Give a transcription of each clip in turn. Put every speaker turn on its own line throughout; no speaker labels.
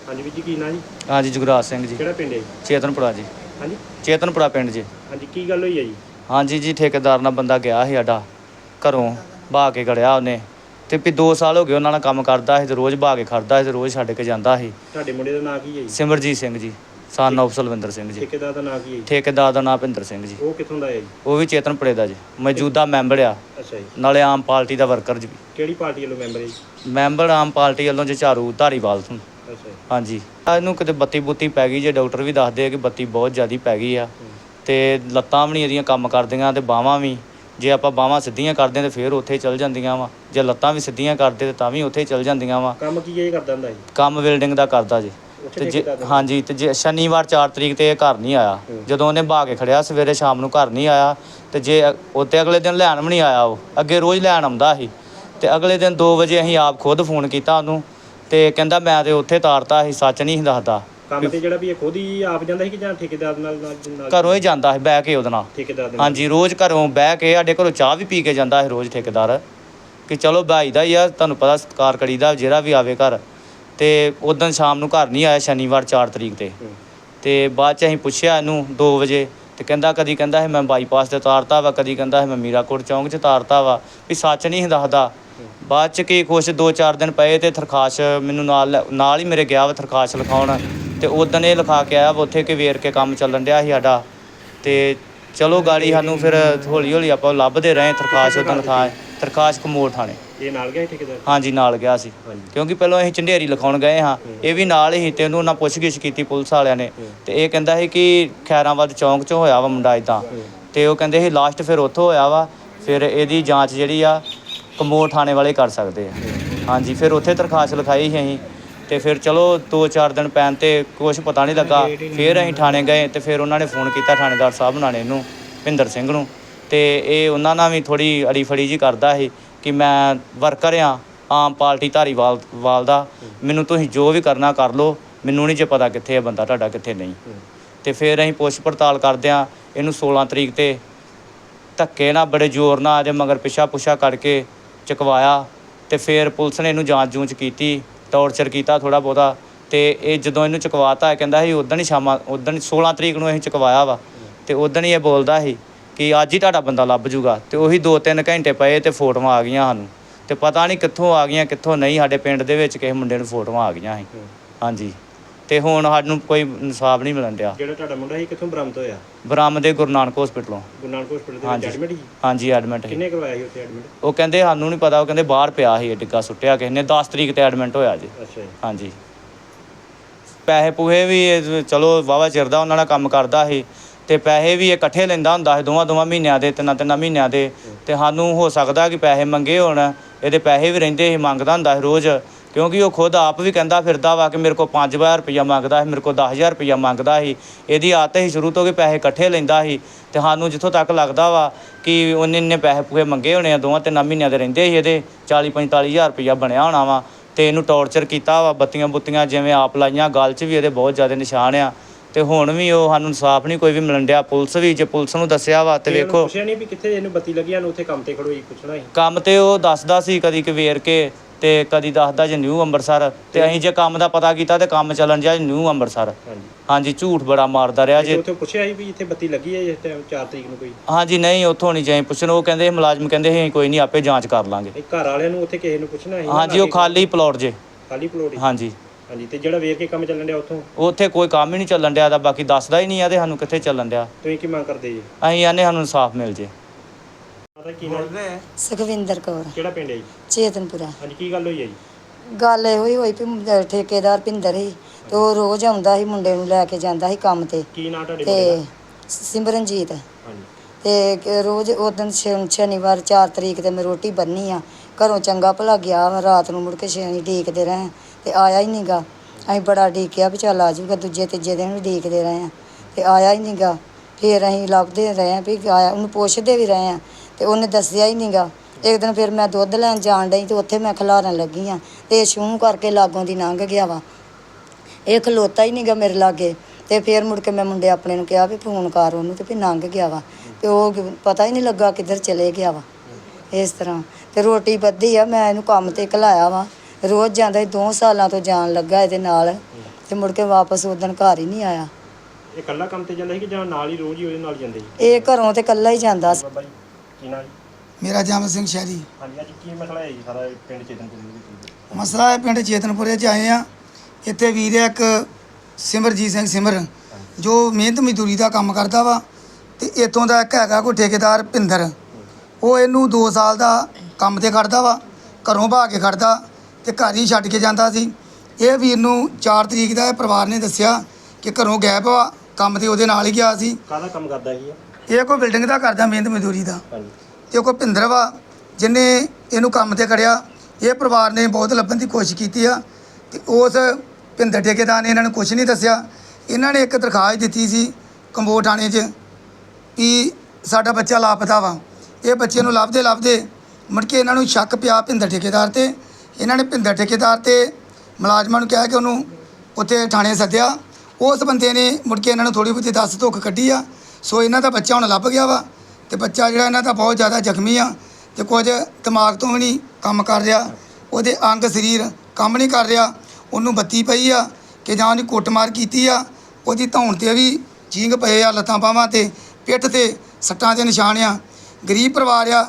ਹਾਂਜੀ ਵੀਰ ਜੀ, ਕੀ ਨਾਂ ਜੀ?
ਹਾਂਜੀ ਜੁਗਰਾਜ ਸਿੰਘ ਜੀ।
ਕਿਹੜਾ ਪਿੰਡ ਹੈ?
ਚੇਤਨਪੁਰਾ ਜੀ।
ਹਾਂਜੀ
ਚੇਤਨਪੁਰਾ ਪਿੰਡ ਜੀ।
ਹਾਂਜੀ, ਕੀ ਗੱਲ ਹੋਈ ਹੈ ਜੀ?
ਹਾਂਜੀ ਜੀ, ਠੇਕੇਦਾਰ ਨਾਲ ਬੰਦਾ ਗਿਆ ਸੀ ਸਾਡਾ ਘਰੋਂ ਬਹਾ ਕੇ ਖੜਿਆ ਉਹਨੇ, ਤੇ ਵੀ 2 ਸਾਲ ਹੋ ਗਏ ਉਹਨਾਂ ਨਾਲ ਕੰਮ ਕਰਦਾ ਸੀ, ਤੇ ਰੋਜ਼ ਬਹਾ ਕੇ ਖੜਦਾ ਸੀ, ਤੇ ਰੋਜ਼ ਛੱਡ ਕੇ ਜਾਂਦਾ ਸੀ।
ਤੁਹਾਡੇ ਮੁੰਡੇ ਦਾ ਨਾਂ ਕੀ ਹੈ ਜੀ?
ਸਿਮਰਜੀਤ ਸਿੰਘ ਜੀ, ਸਨ ਆਫ ਸਲਵਿੰਦਰ ਸਿੰਘ ਜੀ।
ਠੇਕੇਦਾਰ ਦਾ ਨਾਂ ਕੀ ਹੈ ਜੀ?
ਠੇਕੇਦਾਰ ਦਾ ਨਾਂ ਭਿੰਦਰ ਸਿੰਘ ਜੀ।
ਉਹ ਕਿੱਥੋਂ ਦਾ ਹੈ ਜੀ?
ਉਹ ਵੀ ਚੇਤਨਪੁਰੇ ਦਾ ਜੀ, ਮੌਜੂਦਾ ਮੈਂਬਰ ਆ,
ਅੱਛਾ ਜੀ।
ਨਾਲੇ ਆਮ ਪਾਰਟੀ ਦਾ ਵਰਕਰ ਜੀ।
ਕਿਹੜੀ ਪਾਰਟੀ ਵੱਲੋਂ ਮੈਂਬਰ ਹੈ ਜੀ?
ਮੈਂਬਰ ਆਮ ਪਾਰਟੀ ਵੱਲੋਂ ਝਾੜੂ ਧਾਰੀਵਾਲ ਤੋਂ।
ਅੱਛਾ ਜੀ।
ਹਾਂਜੀ, ਇਹਨੂੰ ਕਿਤੇ ਬੱਤੀ ਬੁੱਤੀ ਪੈ ਗਈ ਜੇ, ਡਾਕਟਰ ਵੀ ਦੱਸਦੇ ਆ ਕਿ ਬੱਤੀ ਬਹੁਤ ਜ਼ਿਆਦਾ ਪੈ ਗਈ ਆ, ਤੇ ਲੱਤਾਂ ਵੀ ਨਹੀਂ ਇਹਦੀਆਂ ਕੰਮ ਕਰਦੀਆਂ, ਤੇ ਬਾਹਾਂ ਵੀ, ਜੇ ਆਪਾਂ ਬਾਹਾਂ ਸਿੱਧੀਆਂ ਕਰਦੇ ਤਾਂ ਫਿਰ ਉੱਥੇ ਚੱਲ ਜਾਂਦੀਆਂ ਵਾ, ਜੇ ਲੱਤਾਂ ਵੀ ਸਿੱਧੀਆਂ ਕਰਦੇ ਤਾਂ ਵੀ ਉੱਥੇ ਚੱਲ ਜਾਂਦੀਆਂ ਵਾ।
ਕੰਮ ਕੀ ਇਹ ਕਰਦਾ ਹੁੰਦਾ ਜੀ?
ਕੰਮ ਵੈਲਡਿੰਗ ਦਾ ਕਰਦਾ ਜੀ। ਤੇ ਜੇ ਹਾਂਜੀ, ਤੇ ਜੇ ਸ਼ਨੀਵਾਰ 4 ਤਰੀਕ 'ਤੇ ਇਹ ਘਰ ਨਹੀਂ ਆਇਆ, ਜਦੋਂ ਉਹਨੇ ਬਹਾ ਕੇ ਖੜਿਆ ਸਵੇਰੇ ਸ਼ਾਮ ਨੂੰ ਘਰ ਨਹੀਂ ਆਇਆ, ਤੇ ਜੇ ਉੱਤੇ ਅਗਲੇ ਦਿਨ ਲੈਣ ਵੀ ਨਹੀਂ ਆਇਆ, ਉਹ ਅੱਗੇ ਰੋਜ਼ ਲੈਣ ਆਉਂਦਾ ਸੀ, ਤੇ ਅਗਲੇ ਦਿਨ 2 ਵਜੇ ਅਸੀਂ ਆਪ ਖੁਦ ਫੋਨ ਕੀਤਾ ਉਹਨੂੰ, ਤੇ ਕਹਿੰਦਾ ਮੈਂ ਤੇ ਉੱਥੇ ਤਾਰਤਾ ਸੀ, ਸੱਚ ਨਹੀਂ ਸੀ ਦੱਸਦਾ।
ਕੰਮ ਤੇ ਜਿਹੜਾ ਵੀ ਇਹ ਖੁਦ ਹੀ ਆਪ ਜਾਂਦਾ ਸੀ ਕਿ ਜਾਂ ਠੇਕੇਦਾਰ ਨਾਲ?
ਘਰੋਂ ਹੀ ਜਾਂਦਾ ਸੀ ਬਹਿ ਕੇ ਉਹਦੇ ਨਾਲ।
ਠੇਕੇਦਾਰ ਦੇ ਨਾਲ?
ਹਾਂਜੀ, ਰੋਜ਼ ਘਰੋਂ ਬਹਿ ਕੇ ਸਾਡੇ ਘਰੋਂ ਚਾਹ ਵੀ ਪੀ ਕੇ ਜਾਂਦਾ ਸੀ ਰੋਜ਼ ਠੇਕੇਦਾਰ, ਕਿ ਚਲੋ ਭਾਈ ਦਾ ਹੀ ਆ, ਤੁਹਾਨੂੰ ਪਤਾ ਸਤਿਕਾਰ ਕਰੀਦਾ ਜਿਹੜਾ ਵੀ ਆਵੇ ਘਰ। ਤੇ ਉਦੋਂ ਸ਼ਾਮ ਨੂੰ ਘਰ ਨਹੀਂ ਆਇਆ ਸ਼ਨੀਵਾਰ 4 ਤਰੀਕ 'ਤੇ, ਤੇ ਬਾਅਦ 'ਚ ਅਸੀਂ ਪੁੱਛਿਆ ਇਹਨੂੰ 2 ਵਜੇ, ਤੇ ਕਹਿੰਦਾ ਕਦੀ ਕਹਿੰਦਾ ਸੀ ਮੈਂ ਬਾਈਪਾਸ 'ਤੇ ਤਾਰਤਾ ਵਾ, ਕਦੀ ਕਹਿੰਦਾ ਸੀ ਮੈਂ ਮੀਰਾਕੋਟ ਚੌਂਕ 'ਚ ਤਾਰਤਾ ਵਾ, ਵੀ ਸੱਚ ਨਹੀਂ ਸੀ ਦੱਸਦਾ। ਬਾਅਦ 'ਚ ਕੀ ਕੁਛ 2-4 ਦਿਨ ਪਏ, ਤੇ ਥਰਖਾਸ਼ ਮੈਨੂੰ ਨਾਲ ਹੀ ਮੇਰੇ ਗਿਆ ਵਾ ਥਰਖਾਸ਼ ਲਿਖਾਉਣ, ਤੇ ਉਦੋਂ ਇਹ ਲਿਖਾ ਕੇ ਆਇਆ ਵਾ ਉੱਥੇ ਕਿ ਵੇਰ ਕੇ ਕੰਮ ਚੱਲਣ ਡਿਆ ਸੀ ਸਾਡਾ। ਤੇ ਚਲੋ ਗਾੜੀ ਸਾਨੂੰ ਫਿਰ ਹੌਲੀ ਹੌਲੀ ਆਪਾਂ ਲੱਭਦੇ ਰਹੇ, ਥਰਖਾਸ਼ ਉਦੋਂ ਲਿਖਾ, ਥਰਖਾਸ਼ ਕਮੋੜ ਥਾਣੇ।
ਇਹ ਨਾਲ ਗਿਆ ਠੇਕੇਦਾਰ?
ਹਾਂਜੀ ਨਾਲ ਗਿਆ ਸੀ, ਕਿਉਂਕਿ ਪਹਿਲਾਂ ਅਸੀਂ ਝੰਡੇਰੀ ਲਿਖਾਉਣ ਗਏ ਹਾਂ, ਇਹ ਵੀ ਨਾਲ ਹੀ, ਤੇ ਉਹਨੂੰ ਉਹਨਾਂ ਪੁੱਛਗਿੱਛ ਕੀਤੀ ਪੁਲਿਸ ਵਾਲਿਆਂ ਨੇ, ਤੇ ਇਹ ਕਹਿੰਦਾ ਸੀ ਕਿ ਖੈਰਾਬਾਦ ਚੌਂਕ 'ਚੋਂ ਹੋਇਆ ਵਾ ਮੁੰਡਾ ਇੱਦਾਂ, ਤੇ ਉਹ ਕਹਿੰਦੇ ਸੀ ਲਾਸਟ ਫਿਰ ਉੱਥੋਂ ਹੋਇਆ ਵਾ, ਫਿਰ ਇਹਦੀ ਜਾਂਚ ਜਿਹੜੀ ਆ ਕਮੋੜ ਥਾਣੇ ਵਾਲੇ ਕਰ ਸਕਦੇ ਆ। ਹਾਂਜੀ, ਫਿਰ ਉੱਥੇ ਦਰਖਾਸਤ ਲਿਖਾਈ ਸੀ ਅਸੀਂ, ਤੇ ਫਿਰ ਚਲੋ 2-4 ਦਿਨ ਪੈਣ 'ਤੇ ਕੁਛ ਪਤਾ ਨਹੀਂ ਲੱਗਾ, ਫਿਰ ਅਸੀਂ ਥਾਣੇ ਗਏ, ਤੇ ਫਿਰ ਉਹਨਾਂ ਨੇ ਫੋਨ ਕੀਤਾ ਥਾਣੇਦਾਰ ਸਾਹਿਬ ਨਾਲ ਇਹਨੂੰ ਭਿੰਦਰ ਸਿੰਘ ਨੂੰ, ਤੇ ਇਹ ਉਹਨਾਂ ਨਾਲ ਵੀ ਥੋੜ੍ਹੀ ਅੜੀ ਫੜੀ ਜਿਹੀ ਕਰਦਾ ਸੀ ਕਿ ਮੈਂ ਵਰਕਰ ਹਾਂ ਆਮ ਪਾਰਟੀ ਧਾਰੀਵਾਲ ਦਾ, ਮੈਨੂੰ ਤੁਸੀਂ ਜੋ ਵੀ ਕਰਨਾ ਕਰ ਲਓ, ਮੈਨੂੰ ਨਹੀਂ ਜੇ ਪਤਾ ਕਿੱਥੇ ਹੈ ਬੰਦਾ ਤੁਹਾਡਾ ਕਿੱਥੇ ਨਹੀਂ। ਤੇ ਫਿਰ ਅਸੀਂ ਪੁੱਛ ਪੜਤਾਲ ਕਰਦਿਆਂ ਇਹਨੂੰ 16 ਤਰੀਕ 'ਤੇ ਧੱਕੇ ਨਾਲ ਬੜੇ ਜ਼ੋਰ ਨਾਲ ਇਹਦੇ ਮਗਰ ਪਿੱਛਾ ਪੁੱਛਾ ਕਰਕੇ ਚੁਕਵਾਇਆ, ਤੇ ਫਿਰ ਪੁਲਿਸ ਨੇ ਇਹਨੂੰ ਜਾਂਚ ਜੂੰਚ ਕੀਤੀ, ਟੌਰਚਰ ਕੀਤਾ ਥੋੜ੍ਹਾ ਬਹੁਤਾ, ਤੇ ਇਹ ਜਦੋਂ ਇਹਨੂੰ ਚੁਕਵਾਤਾ ਕਹਿੰਦਾ ਸੀ ਉਦੋਂ ਹੀ 16 ਤਰੀਕ ਨੂੰ ਅਸੀਂ ਚੁਕਵਾਇਆ ਵਾ, ਤੇ ਉਦੋਂ ਹੀ ਇਹ ਬੋਲਦਾ ਸੀ ਕਿ ਅੱਜ ਹੀ ਤੁਹਾਡਾ ਬੰਦਾ ਲੱਭ ਜੂਗਾ, ਤੇ ਉਹੀ 2-3 ਘੰਟੇ ਪਏ ਤੇ ਫੋਟੋਆਂ ਆ ਗਈਆਂ ਸਾਨੂੰ, ਤੇ ਪਤਾ ਨਹੀਂ ਕਿੱਥੋਂ ਆ ਗਈਆਂ ਕਿੱਥੋਂ ਨਹੀਂ, ਸਾਡੇ ਪਿੰਡ ਦੇ ਵਿੱਚ ਕਿਸੇ ਮੁੰਡੇ ਨੂੰ ਫੋਟੋਆਂ ਆ ਗਈਆਂ ਸੀ। ਹਾਂਜੀ, ਤੇ ਹੁਣ ਸਾਨੂੰ ਕੋਈ ਇਨਸਾਫ ਨਹੀਂ ਮਿਲਣ ਡਿਆ।
ਜਿਹੜਾ ਤੁਹਾਡਾ ਮੁੰਡਾ ਸੀ ਕਿੱਥੋਂ ਬਰਾਮਦ ਹੋਇਆ?
ਬਰਾਮਦ ਗੁਰੂ ਨਾਨਕ ਹਸਪੀਟਲੋਂ।
ਗੁਰੂ ਨਾਨਕ ਹਸਪੀਟਲ ਦੇ ਵਿੱਚ ਐਡਮਿਟ ਸੀ? ਹਾਂਜੀ
ਐਡਮਿਟ ਸੀ।
ਕਿੰਨੇ ਕਰਵਾਇਆ ਸੀ ਉੱਥੇ ਐਡਮਿਟ?
ਉਹ ਕਹਿੰਦੇ ਸਾਨੂੰ ਨਹੀਂ ਪਤਾ, ਉਹ ਕਹਿੰਦੇ ਬਾਹਰ ਪਿਆ ਸੀ, ਡਿੱਗਾ ਸੁੱਟਿਆ ਕਿਸੇ ਨੇ, 10 ਤਰੀਕ 'ਤੇ ਐਡਮਿਟ ਹੋਇਆ ਜੀ।
ਅੱਛਾ ਜੀ।
ਹਾਂਜੀ, ਪੈਸੇ ਪੂਹੇ ਵੀ ਚਲੋ ਵਾਹਵਾ ਚਿਰ ਦਾ ਉਹਨਾਂ ਨਾਲ ਕੰਮ ਕਰਦਾ ਸੀ, ਤੇ ਪੈਸੇ ਵੀ ਇਹ ਇਕੱਠੇ ਲੈਂਦਾ ਹੁੰਦਾ ਸੀ, ਦੋਵਾਂ ਮਹੀਨਿਆਂ ਦੇ, 3 ਮਹੀਨਿਆਂ ਦੇ, ਤੇ ਸਾਨੂੰ ਹੋ ਸਕਦਾ ਕਿ ਪੈਸੇ ਮੰਗੇ ਹੋਣ, ਇਹਦੇ ਪੈਸੇ ਵੀ ਰਹਿੰਦੇ ਸੀ, ਮੰਗਦਾ ਹੁੰਦਾ ਸੀ ਰੋਜ਼, ਕਿਉਂਕਿ ਉਹ ਖੁਦ ਆਪ ਵੀ ਕਹਿੰਦਾ ਫਿਰਦਾ ਵਾ ਕਿ ਮੇਰੇ ਕੋਲ 5000 ਰੁਪਈਆ ਮੰਗਦਾ ਸੀ, ਮੇਰੇ ਕੋਲ 10000 ਰੁਪਈਆ ਮੰਗਦਾ ਸੀ, ਇਹਦੀ ਆਦਤ ਸੀ ਸ਼ੁਰੂ ਤੋਂ ਕਿ ਪੈਸੇ ਇਕੱਠੇ ਲੈਂਦਾ ਸੀ, ਤੇ ਸਾਨੂੰ ਜਿੱਥੋਂ ਤੱਕ ਲੱਗਦਾ ਵਾ ਕਿ ਉਹਨੇ ਇੰਨੇ ਪੈਸੇ ਪੂਹੇ ਮੰਗੇ ਹੋਣੇ ਆ, 2-3 ਮਹੀਨਿਆਂ ਦੇ ਰਹਿੰਦੇ ਸੀ, ਇਹਦੇ 40-45 ਹਜ਼ਾਰ ਰੁਪਈਆ ਬਣਿਆ ਹੋਣਾ ਵਾ, ਤੇ ਇਹਨੂੰ ਟੌਰਚਰ ਕੀਤਾ ਵਾ, ਬੱਤੀਆਂ ਬੁੱਤੀਆਂ ਜਿਵੇਂ ਆਪ ਲਾਈਆਂ, ਗਲ 'ਚ ਵੀ ਇਹਦੇ ਬਹੁਤ ਜ਼ਿਆਦਾ ਨਿਸ਼ਾਨ ਆ, ਤੇ ਹੁਣ ਵੀ ਉਹ ਸਾਨੂੰ ਇਨਸਾਫ ਨਹੀਂ ਕੋਈ ਵੀ ਮਿਲਣ ਡਿਆ। ਪੁਲਿਸ ਵੀ, ਜੇ ਪੁਲਿਸ ਨੂੰ ਦੱਸਿਆ ਵਾ, ਤੇ ਵੇਖੋ
ਪੁੱਛਿਆ ਨਹੀਂ ਵੀ ਕਿੱਥੇ ਇਹਨੂੰ ਬੱਤੀ ਲੱਗੀ, ਉਹਨੂੰ ਉੱਥੇ ਕੰਮ ਤੇ ਖੜੋਈ ਪੁੱਛਣਾ ਸੀ? ਕੰਮ
ਤੇ ਉਹ ਦੱਸਦਾ ਸੀ ਕਦੀ ਕਿ ਵੇਰ ਕੇ, ਤੇ ਕਦੀ ਦੱਸਦਾ ਜੇ ਨਿਊ ਅੰਮ੍ਰਿਤਸਰ, ਤੇ ਅਸੀਂ ਜੇ ਕੰਮ ਦਾ ਪਤਾ ਕੀਤਾ ਤੇ ਕੰਮ ਚੱਲਣ ਜਿਆ ਨਿਊ ਅੰਮ੍ਰਿਤਸਰ। ਹਾਂਜੀ, ਝੂਠ ਬੜਾ ਮਾਰਦਾ ਰਿਹਾ ਜੇ।
ਉੱਥੇ ਪੁੱਛਿਆ ਸੀ ਵੀ ਇੱਥੇ ਬੱਤੀ ਲੱਗੀ ਹੈ ਇਸ ਟਾਈਮ 4 ਤਰੀਕ ਨੂੰ ਕੋਈ?
ਹਾਂਜੀ, ਨਹੀਂ ਉੱਥੋਂ ਨਹੀਂ ਜਾਈ ਪੁੱਛਣ, ਉਹ ਕਹਿੰਦੇ ਮੁਲਾਜ਼ਮ ਕਹਿੰਦੇ ਸੀ ਕੋਈ ਨਹੀਂ ਆਪੇ ਜਾਂਚ ਕਰ ਲਾਂਗੇ।
ਘਰ ਵਾਲਿਆਂ ਨੂੰ ਉੱਥੇ ਕਿਸੇ ਨੂੰ ਪੁੱਛਣਾ ਸੀ?
ਹਾਂਜੀ, ਉਹ ਖਾਲੀ ਪਲੋਟ ਜੇ।
ਖਾਲੀ ਪਲੋਟ?
ਹਾਂਜੀ
ਹਾਂਜੀ, ਤੇ ਜਿਹੜਾ ਵੇਖ ਕੇ ਕੰਮ ਚੱਲਣ ਡਿਆ
ਉੱਥੇ ਕੋਈ ਕੰਮ ਹੀ ਨਹੀਂ ਚੱਲਣ ਡਿਆ, ਤਾਂ ਬਾਕੀ ਦੱਸਦਾ ਹੀ ਨਹੀਂ ਆ, ਤੇ ਸਾਨੂੰ ਕਿੱਥੇ ਚੱਲਣ ਡਿਆ।
ਤੁਸੀਂ ਕੀ ਮੰਗ ਕਰਦੇ ਜੀ?
ਅਸੀਂ ਆਨੇ ਸਾਨੂੰ ਇਨਸਾਫ ਮਿਲ ਜੇ।
ਸੁਖਵਿੰਦਰ ਕੌਰ।
ਕਿਹੜਾ ਪਿੰਡ ਹੈ ਜੀ?
ਚੇਤਨਪੁਰਾ।
ਹਾਂਜੀ, ਕੀ ਗੱਲ ਹੋਈ ਹੈ ਜੀ?
ਗੱਲ ਇਹੋ ਹੀ ਹੋਈ ਵੀ ਠੇਕੇਦਾਰ ਭਿੰਦਰ ਸੀ, ਤੇ ਉਹ ਰੋਜ਼ ਆਉਂਦਾ ਸੀ, ਮੁੰਡੇ ਨੂੰ ਲੈ ਕੇ ਜਾਂਦਾ ਸੀ ਕੰਮ ਤੇ।
ਕੀ ਨਾਂ ਤੁਹਾਡੇ ਮੁੰਡੇ ਦਾ?
ਸਿਮਰਨਜੀਤ।
ਹਾਂਜੀ।
ਤੇ ਰੋਜ਼ ਉਦੋਂ ਸ਼ਨੀਵਾਰ 4 ਤਰੀਕ ਤੇ ਮੈਂ ਰੋਟੀ ਬੰਨੀ ਆ, ਘਰੋਂ ਚੰਗਾ ਭਲਾ ਗਿਆ, ਰਾਤ ਨੂੰ ਮੁੜ ਕੇ ਸ਼ਨੀ ਡੀਕਦੇ ਰਹੇ, ਤੇ ਆਇਆ ਹੀ ਨਹੀਂ ਗਾ। ਅਸੀਂ ਬੜਾ ਡੀਕਿਆ ਵੀ ਚੱਲ ਆ ਜਾਊਗਾ, ਦੂਜੇ ਤੀਜੇ ਦਿਨ ਵੀ ਡੀਕਦੇ ਰਹੇ ਆ, ਤੇ ਆਇਆ ਹੀ ਨਹੀਂ ਗਾ। ਫਿਰ ਅਸੀਂ ਲੱਭਦੇ ਰਹੇ ਆ ਵੀ ਆਇਆ, ਉਹਨੂੰ ਪੁੱਛਦੇ ਵੀ ਰਹੇ ਆ, ਤੇ ਉਹਨੇ ਦੱਸਿਆ ਹੀ ਨਹੀਂ ਗਾ। ਇੱਕ ਦਿਨ ਫਿਰ ਮੈਂ ਦੁੱਧ ਲੈਣ ਜਾਣ ਡਈ, ਤੇ ਉੱਥੇ ਮੈਂ ਖਿਲਾਰਨ ਲੱਗੀ ਹਾਂ, ਤੇ ਛੂੰ ਕਰਕੇ ਲਾਗੋਂ ਦੀ ਲੰਘ ਗਿਆ ਵਾ, ਇਹ ਖਲੋਤਾ ਹੀ ਨਹੀਂ ਗਾ ਮੇਰੇ ਲਾਗੇ। ਤੇ ਫਿਰ ਮੁੜ ਕੇ ਮੈਂ ਮੁੰਡੇ ਆਪਣੇ ਨੂੰ ਕਿਹਾ ਵੀ ਫੋਨ ਕਰ ਉਹਨੂੰ, ਤੇ ਫਿਰ ਲੰਘ ਗਿਆ ਵਾ, ਤੇ ਉਹ ਪਤਾ ਹੀ ਨਹੀਂ ਲੱਗਾ ਕਿੱਧਰ ਚਲੇ ਗਿਆ ਵਾ। ਇਸ ਤਰ੍ਹਾਂ ਤੇ ਰੋਟੀ ਬੱਧੀ ਆ, ਮੈਂ ਇਹਨੂੰ ਕੰਮ 'ਤੇ ਘਲਾਇਆ ਵਾ, ਰੋਜ਼ ਜਾਂਦਾ ਸੀ, 2 ਸਾਲਾਂ ਤੋਂ ਜਾਣ ਲੱਗਾ ਇਹਦੇ ਨਾਲ ਤੇ ਮੁੜ ਕੇ ਵਾਪਸ ਉਦਣ ਘਰ ਹੀ ਨਹੀਂ ਆਇਆ।
ਇਹ ਇਕੱਲਾ ਕੰਮ ਤੇ ਜਾਂਦਾ ਸੀ ਕਿ ਜਾਂ ਨਾਲ ਹੀ ਰੋਜ਼ ਹੀ ਉਹਦੇ ਨਾਲ ਜਾਂਦੇ ਸੀ?
ਇਹ ਘਰੋਂ ਤੇ ਇਕੱਲਾ ਹੀ ਜਾਂਦਾ ਸੀ।
ਬਾਬਾ ਜੀ ਕੀ ਨਾਂ ਜੀ?
ਮੇਰਾ ਜਮ ਸਿੰਘ ਸ਼ਹਿਰੀ।
ਹਾਂਜੀ, ਅੱਜ ਕੀ ਮਸਲਾ ਹੈ ਜੀ ਸਾਰਾ ਪਿੰਡ ਚੇਤਨਪੁਰ ਦੇ ਵਿੱਚ?
ਮਸਲਾ ਹੈ ਪਿੰਡ ਚੇਤਨਪੁਰੇ 'ਚ ਆਏ ਆ। ਇੱਥੇ ਵੀਰ ਹੈ ਇੱਕ ਸਿਮਰਜੀਤ ਸਿੰਘ ਸਿਮਰ, ਜੋ ਮਿਹਨਤ ਮਜ਼ਦੂਰੀ ਦਾ ਕੰਮ ਕਰਦਾ ਵਾ। ਤੇ ਇੱਥੋਂ ਦਾ ਇੱਕ ਹੈਗਾ ਕੋਈ ਠੇਕੇਦਾਰ ਭਿੰਦਰ, ਉਹ ਇਹਨੂੰ 2 ਸਾਲ ਦਾ ਕੰਮ ਤੇ ਖੜਦਾ ਵਾ, ਘਰੋਂ ਭਾ ਕੇ ਖੜਦਾ ਤੇ ਘਰ ਹੀ ਛੱਡ ਕੇ ਜਾਂਦਾ ਸੀ। ਇਹ ਵੀਰ ਨੂੰ 4 ਤਰੀਕ ਦਾ ਇਹ ਪਰਿਵਾਰ ਨੇ ਦੱਸਿਆ ਕਿ ਘਰੋਂ ਗਾਇਬ ਵਾ, ਕੰਮ ਤੇ ਉਹਦੇ ਨਾਲ ਹੀ ਗਿਆ ਸੀ।
ਕਾਹਦਾ ਕੰਮ ਕਰਦਾ ਸੀ
ਇਹ ਕੋਈ ਬਿਲਡਿੰਗ ਦਾ ਕਰਦਾ, ਮਿਹਨਤ ਮਜ਼ਦੂਰੀ ਦਾ।
ਹਾਂਜੀ।
ਤੇ ਕੋਈ ਭਿੰਦਰ ਵਾ ਜਿਹਨੇ ਇਹਨੂੰ ਕੰਮ ਤੇ ਖੜਿਆ। ਇਹ ਪਰਿਵਾਰ ਨੇ ਬਹੁਤ ਲੱਭਣ ਦੀ ਕੋਸ਼ਿਸ਼ ਕੀਤੀ ਆ ਤੇ ਉਸ ਭਿੰਦਰ ਠੇਕੇਦਾਰ ਨੇ ਇਹਨਾਂ ਨੂੰ ਕੁਝ ਨਹੀਂ ਦੱਸਿਆ। ਇਹਨਾਂ ਨੇ ਇੱਕ ਦਰਖਾਸਤ ਦਿੱਤੀ ਸੀ ਕੰਬੋਜ ਥਾਣੇ 'ਚ ਕਿ ਸਾਡਾ ਬੱਚਾ ਲਾਪਤਾ ਵਾ। ਇਹ ਬੱਚੇ ਨੂੰ ਲੱਭਦੇ ਮੁੜ ਕੇ ਇਹਨਾਂ ਨੂੰ ਸ਼ੱਕ ਪਿਆ ਭਿੰਦਰ ਠੇਕੇਦਾਰ ਤੇ। ਇਹਨਾਂ ਨੇ ਭਿੰਦਰ ਠੇਕੇਦਾਰ ਤੇ ਮੁਲਾਜ਼ਮਾਂ ਨੂੰ ਕਿਹਾ ਕਿ ਉਹਨੂੰ ਉੱਥੇ ਥਾਣੇ ਸੱਦਿਆ। ਉਸ ਬੰਦੇ ਨੇ ਮੁੜ ਕੇ ਇਹਨਾਂ ਨੂੰ ਥੋੜ੍ਹੀ ਬਹੁਤੀ ਦੱਸ ਧੁੱਖ ਕੱਢੀ ਆ। ਸੋ ਇਹਨਾਂ ਦਾ ਬੱਚਾ ਹੁਣ ਲੱਭ ਗਿਆ ਵਾ ਤੇ ਬੱਚਾ ਜਿਹੜਾ ਇਹਨਾਂ ਦਾ ਬਹੁਤ ਜ਼ਿਆਦਾ ਜ਼ਖਮੀ ਆ ਤੇ ਕੁਝ ਦਿਮਾਗ ਤੋਂ ਵੀ ਨਹੀਂ ਕੰਮ ਕਰ ਰਿਹਾ। ਉਹਦੇ ਅੰਗ ਸਰੀਰ ਕੰਮ ਨਹੀਂ ਕਰ ਰਿਹਾ। ਉਹਨੂੰ ਬੱਤੀ ਪਈ ਆ ਕਿ ਜਾਂ ਉਹਨੇ ਕੁੱਟਮਾਰ ਕੀਤੀ ਆ। ਉਹਦੀ ਧੌਣ 'ਤੇ ਵੀ ਜੀਂਗ ਪਏ ਆ, ਲੱਤਾਂ ਬਾਹਾਂ 'ਤੇ, ਪਿੱਠ 'ਤੇ ਸੱਟਾਂ ਦੇ ਨਿਸ਼ਾਨ ਆ। ਗਰੀਬ ਪਰਿਵਾਰ ਆ।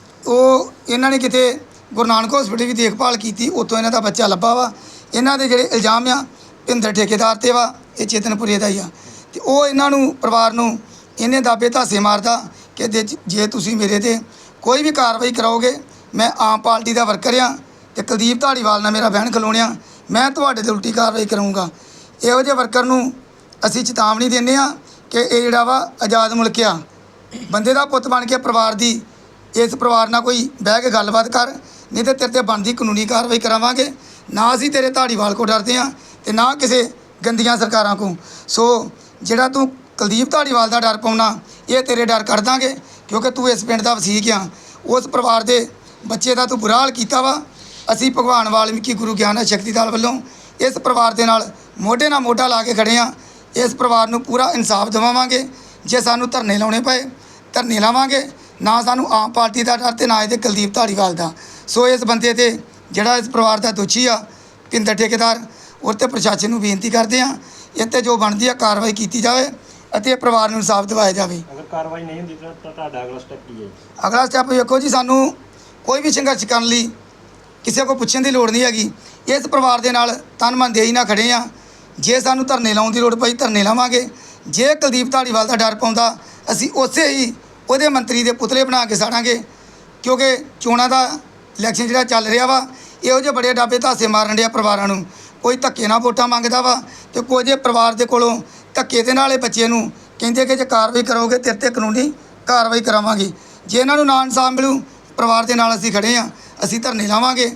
ਉਹ ਇਹਨਾਂ ਨੇ ਕਿਤੇ ਗੁਰੂ ਨਾਨਕ ਹਸਪੀਟਲ ਵੀ ਦੇਖਭਾਲ ਕੀਤੀ, ਉੱਥੋਂ ਇਹਨਾਂ ਦਾ ਬੱਚਾ ਲੱਭਾ ਵਾ। ਇਹਨਾਂ ਦੇ ਜਿਹੜੇ ਇਲਜ਼ਾਮ ਆ ਭਿੰਦਰ ਠੇਕੇਦਾਰ 'ਤੇ ਵਾ, ਇਹ ਚੇਤਨਪੁਰੇ ਦਾ ਹੀ ਆ। ਤੇ ਉਹ ਇਹਨਾਂ ਨੂੰ ਪਰਿਵਾਰ ਨੂੰ ਇਹਨੇ ਦਾਬੇ ਧਾਸੇ ਮਾਰਦਾ ਕਿ ਜੇ ਤੁਸੀਂ ਮੇਰੇ 'ਤੇ ਕੋਈ ਵੀ ਕਾਰਵਾਈ ਕਰਾਓਗੇ, ਮੈਂ ਆਮ ਪਾਰਟੀ ਦਾ ਵਰਕਰ ਆ ਤੇ ਕੁਲਦੀਪ ਧਾਲੀਵਾਲ ਨਾਲ ਮੇਰਾ ਬਹਿਣ ਖਲੋਣਿਆ, ਮੈਂ ਤੁਹਾਡੇ 'ਤੇ ਉਲਟੀ ਕਾਰਵਾਈ ਕਰਾਂਗਾ। ਇਹੋ ਜਿਹੇ ਵਰਕਰ ਨੂੰ ਅਸੀਂ ਚੇਤਾਵਨੀ ਦਿੰਦੇ ਆ ਕਿ ਇਹ ਜਿਹੜਾ ਵਾ ਆਜ਼ਾਦ ਮੁਲਕ ਆ। ਬੰਦੇ ਦਾ ਪੁੱਤ ਬਣ ਕੇ ਪਰਿਵਾਰ ਦੀ ਇਸ ਪਰਿਵਾਰ ਨਾਲ ਕੋਈ ਬਹਿ ਕੇ ਗੱਲਬਾਤ ਕਰ, ਨਹੀਂ ਤਾਂ ਤੇਰੇ 'ਤੇ ਬਣਦੀ ਕਾਨੂੰਨੀ ਕਾਰਵਾਈ ਕਰਾਵਾਂਗੇ। ਨਾ ਅਸੀਂ ਤੇਰੇ ਧਾਲੀਵਾਲ ਕੋ ਡਰਦੇ ਆ ਤੇ ਨਾ ਕਿਸੇ ਗੰਦੀਆਂ ਸਰਕਾਰਾਂ ਕੋ। ਸੋ ਜਿਹੜਾ ਤੂੰ ਕੁਲਦੀਪ ਧਾਲੀਵਾਲ ਦਾ ਡਰ ਪਾਉਣਾ, ਇਹ ਤੇਰੇ ਡਰ ਕੱਢ ਦਾਂਗੇ, ਕਿਉਂਕਿ ਤੂੰ ਇਸ ਪਿੰਡ ਦਾ ਵਸੀਕ ਆ। ਉਸ ਪਰਿਵਾਰ ਦੇ ਬੱਚੇ ਦਾ ਤੂੰ ਬੁਰਾ ਹਾਲ ਕੀਤਾ ਵਾ। ਅਸੀਂ ਭਗਵਾਨ ਵਾਲਮੀਕੀ ਗੁਰੂ ਗਿਆਨ ਸ਼ਕਤੀ ਦਲ ਵੱਲੋਂ ਇਸ ਪਰਿਵਾਰ ਦੇ ਨਾਲ ਮੋਢੇ ਨਾਲ ਮੋਢਾ ਲਾ ਕੇ ਖੜੇ ਆ। ਇਸ ਪਰਿਵਾਰ ਨੂੰ ਪੂਰਾ ਇਨਸਾਫ ਦਿਵਾਵਾਂਗੇ। ਜੇ ਸਾਨੂੰ ਧਰਨੇ ਲਾਉਣੇ ਪਏ ਧਰਨੇ ਲਾਵਾਂਗੇ। ਨਾ ਸਾਨੂੰ ਆਮ ਪਾਰਟੀ ਦਾ ਡਰ ਤੇ ਨਾ ਇਹਦੇ ਕੁਲਦੀਪ ਧਾਲੀਵਾਲ ਦਾ। ਸੋ ਇਸ ਬੰਦੇ 'ਤੇ ਜਿਹੜਾ ਇਸ ਪਰਿਵਾਰ ਦਾ ਦੋਸ਼ੀ ਆ ਭਿੰਦਰ ਠੇਕੇਦਾਰ, ਉਹ 'ਤੇ ਪ੍ਰਸ਼ਾਸਨ ਨੂੰ ਬੇਨਤੀ ਕਰਦੇ ਆ ਇਹ 'ਤੇ ਜੋ ਬਣਦੀ ਆ ਕਾਰਵਾਈ ਕੀਤੀ ਜਾਵੇ ਅਤੇ ਇਹ ਪਰਿਵਾਰ ਨੂੰ ਇਨਸਾਫ ਦਿਵਾਇਆ ਜਾਵੇ।
ਅਗਰ ਕਾਰਵਾਈ ਨਹੀਂ ਹੁੰਦੀ ਤਾਂ ਤੁਹਾਡਾ ਅਗਲਾ ਸਟੈਪ ਕੀ ਹੈ?
ਅਗਲਾ ਸਟੈਪ ਵੇਖੋ ਜੀ, ਸਾਨੂੰ ਕੋਈ ਵੀ ਸੰਘਰਸ਼ ਕਰਨ ਲਈ ਕਿਸੇ ਕੋਲ ਪੁੱਛਣ ਦੀ ਲੋੜ ਨਹੀਂ ਹੈਗੀ। ਇਸ ਪਰਿਵਾਰ ਦੇ ਨਾਲ ਤਨ ਮਨ ਦੇਈ ਨਾਲ ਖੜੇ ਆ। ਜੇ ਸਾਨੂੰ ਧਰਨੇ ਲਾਉਣ ਦੀ ਲੋੜ ਪਈ ਧਰਨੇ ਲਾਵਾਂਗੇ। ਜੇ ਕੁਲਦੀਪ ਧਾਲੀਵਾਲ ਦਾ ਡਰ ਪਾਉਂਦਾ, ਅਸੀਂ ਉਸੇ ਹੀ ਉਹਦੇ ਮੰਤਰੀ ਦੇ ਪੁਤਲੇ ਬਣਾ ਕੇ ਸਾੜਾਂਗੇ। ਕਿਉਂਕਿ ਚੋਣਾਂ ਦਾ ਇਲੈਕਸ਼ਨ ਜਿਹੜਾ ਚੱਲ ਰਿਹਾ ਵਾ, ਇਹੋ ਜਿਹੇ ਬੜੇ ਡਾਬੇ ਧਾਸੇ ਮਾਰਨ ਡਿਆ ਪਰਿਵਾਰਾਂ ਨੂੰ। ਕੋਈ ਧੱਕੇ ਨਾਲ ਵੋਟਾਂ ਮੰਗਦਾ ਵਾ ਤੇ ਕੁਝ ਪਰਿਵਾਰ ਦੇ ਕੋਲੋਂ ਧੱਕੇ ਦੇ ਨਾਲ ਇਹ ਬੱਚੇ ਨੂੰ ਕਹਿੰਦੇ ਕਿ ਜੇ ਕਾਰਵਾਈ ਕਰੋਗੇ ਤੇਰੇ 'ਤੇ ਕਾਨੂੰਨੀ ਕਾਰਵਾਈ ਕਰਾਵਾਂਗੇ। ਜੇ ਇਹਨਾਂ ਨੂੰ ਨਾ ਇਨਸਾਫ ਮਿਲੂ, ਪਰਿਵਾਰ ਦੇ ਨਾਲ ਅਸੀਂ ਖੜੇ ਆ। ਅਸੀਂ ਧਰਨੇ ਲਾਵਾਂਗੇ,